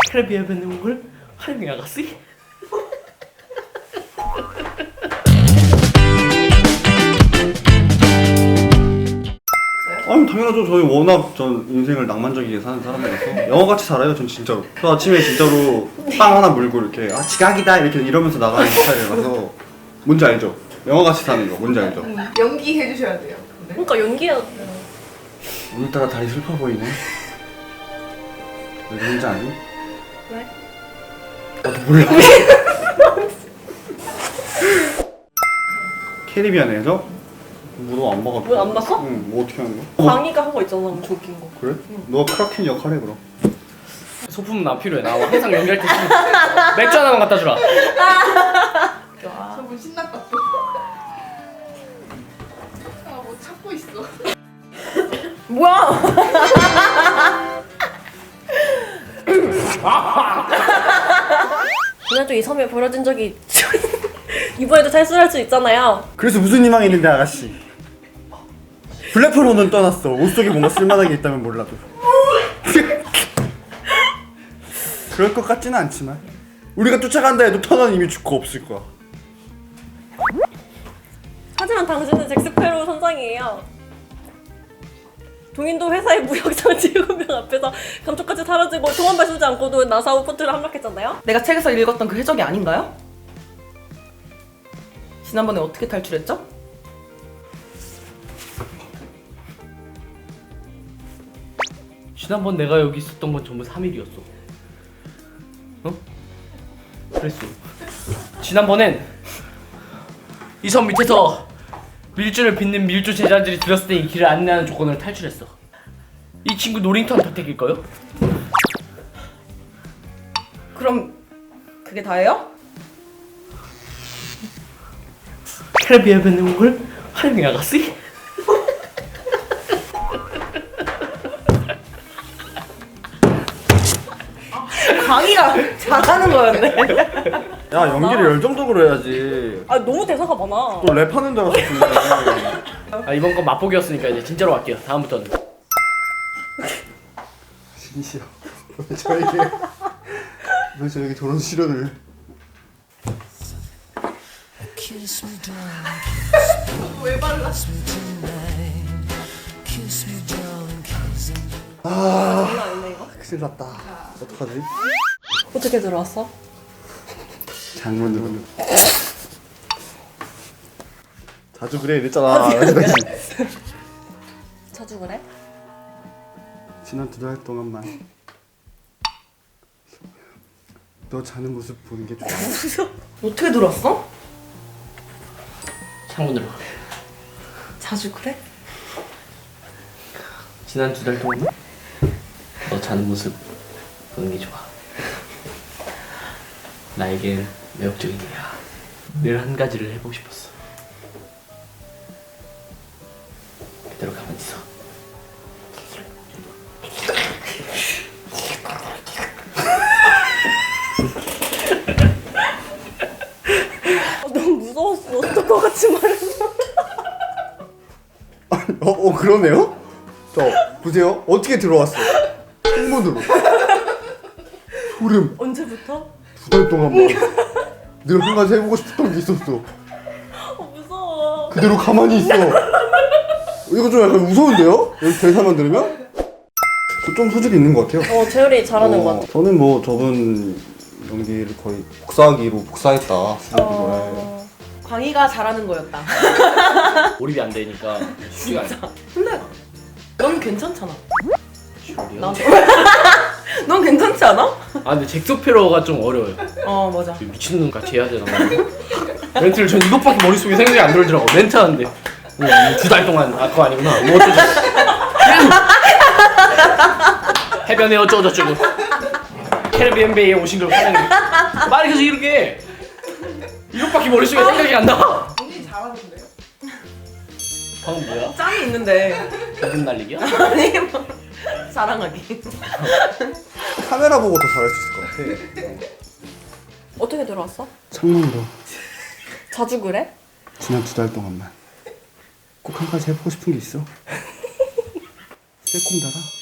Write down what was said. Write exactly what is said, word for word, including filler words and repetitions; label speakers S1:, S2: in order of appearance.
S1: 캐리비안 내용을 활용해 나갔지?
S2: 아니 당연하죠. 저희 워낙 전 인생을 낭만적이게 사는 사람이라서 영화같이 살아요. 전 진짜로. 저 아침에 진짜로 빵 하나 물고 이렇게 아 지각이다 이렇게 이러면서 나가는 스타일이라서 뭔지 알죠? 영화같이 사는 거 뭔지 알죠?
S3: 음, 연기 해주셔야 돼요. 네.
S4: 그러니까 연기해야 돼.
S2: 오늘따라 다리 슬퍼 보이네. 왜 그런지 아니?
S4: 왜?
S2: 나도 몰라. 캐리비안에서 무도 안 봐가지고.
S4: 뭐 안 봤어?
S2: 응, 뭐 어떻게 하는 거야?
S4: 광희가 한 거 있잖아, 저 웃긴 거.
S2: 그래? 너가 크라켄 역할해 그럼.
S1: 소품은 나 필요해. 나 항상 연기할 때 소품. 맥주 하나만 갖다 주라.
S3: 저분 신났다 또. 아뭐 찾고 있어.
S4: 뭐야? 지난주 이 섬에 버려진 적이 이번에도 탈출할 수 있잖아요.
S2: 그래서 무슨 희망이 있는데 아가씨? 블랙홀로는 떠났어. 옷 속에 뭔가 쓸만한 게 있다면 몰라도. 그럴 것 같지는 않지만 우리가 쫓아간다 해도 터널 이미 죽고 없을 거야.
S4: 하지만 당신은 잭스페로우 선장이에요. 동인도 회사의 무역장치 일곱 명 앞에서 감쪽같이 사라지고 통원발 쓰지 않고도 나사우 포트를 함락했잖아요.
S5: 내가 책에서 읽었던 그 해적이 아닌가요? 지난번에 어떻게 탈출했죠?
S1: 지난번 내가 여기 있었던 건 전부 삼 일이었어. 어? 그랬어. 지난번엔 이 섬 밑에서 밀주를 빚는 밀주 제자들이 들었을 때 이 길을 안내하는 조건을 탈출했어. 이 친구 노링턴 덕택일까요?
S5: 그럼 그게 다예요?
S1: 캐리비안 내용을 활용해 나갔지?
S5: 강의가 잘하는 거였네.
S2: 야 연기를 열정적으로 해야지.
S4: 아 너무 대사가 많아.
S2: 또 랩하는 줄 알았어.
S1: 아, 이번 건 맛보기였으니까 이제 진짜로 갈게요. 다음부터는.
S2: 진시여. 왜 저에게 왜 저에게 저런 시련을?
S3: 왜 발라?
S2: 아
S4: 아니네 이거.
S2: 큰일 났다. 어떡하지?
S4: 어떻게 들어왔어?
S2: 장문으로. 자주 그래 이랬잖아.
S4: 자주 그래?
S2: 지난 두 달 동안만 너 자는 모습 보는 게 좋아.
S5: 어떻게 들어왔어?
S1: 창문으로.
S5: 자주 그래?
S1: 지난 두 달 동안 너 자는 모습 보는 게 좋아. 나에겐 매력적인 일이야. 늘 한 가지를 해보고 싶었어. 그대로 가만히 있어.
S4: 아, 너무 무서웠어. 어떨 것 같이 말했어.
S2: 어, 어 그러네요? 저 보세요. 어떻게 들어왔어? 창문으로. 소름.
S4: 언제부터?
S2: 두 달 동안만 늘 한 가지 해보고 싶었던 게 있었어.
S4: 어 무서워.
S2: 그대로 가만히 있어. 이거 좀 약간 무서운데요? 여기 대사만 들으면? 저 좀 소질이 있는 것 같아요.
S4: 어 재열이 잘하는
S2: 어,
S4: 것 같아.
S2: 저는 뭐 저분 연기를 거의 복사하기로 복사했다.
S4: 어...
S5: 광희가 잘하는 거였다.
S1: 몰입이 안 되니까 쉽지가 않아.
S5: 근데 넌 괜찮잖아.
S1: 지랄이야.
S5: 난... 넌 괜찮지 않아?
S1: 아 근데 잭소페로가 좀 어려워요.
S5: 어 맞아.
S1: 미친놈 같이 해야 되나. 멘트를 전 이것밖에 머릿속에 생각이 안 들더라고. 멘트 하는데 두 달 동안 아 그거 아니구나. 뭐 어쩌고 해변에 어쩌고저쩌고 캐리비안 베이에 오신 걸 환영해. 말이 계속 이렇게 이것밖에 머릿속에 생각이 안 나.
S3: 언니 잘하던데요?
S1: 방금 뭐야?
S5: 짬이 있는데.
S1: 기분 날리기야?
S5: 아니 뭐 자랑하기.
S2: 카메라 보고 더 잘할 수 있을 것 같아.
S4: 어떻게 들어왔어?
S2: 창문으로.
S4: 자주 그래?
S2: 지난 두 달 동안만 꼭 한 가지 해보고 싶은 게 있어. 새콤달아.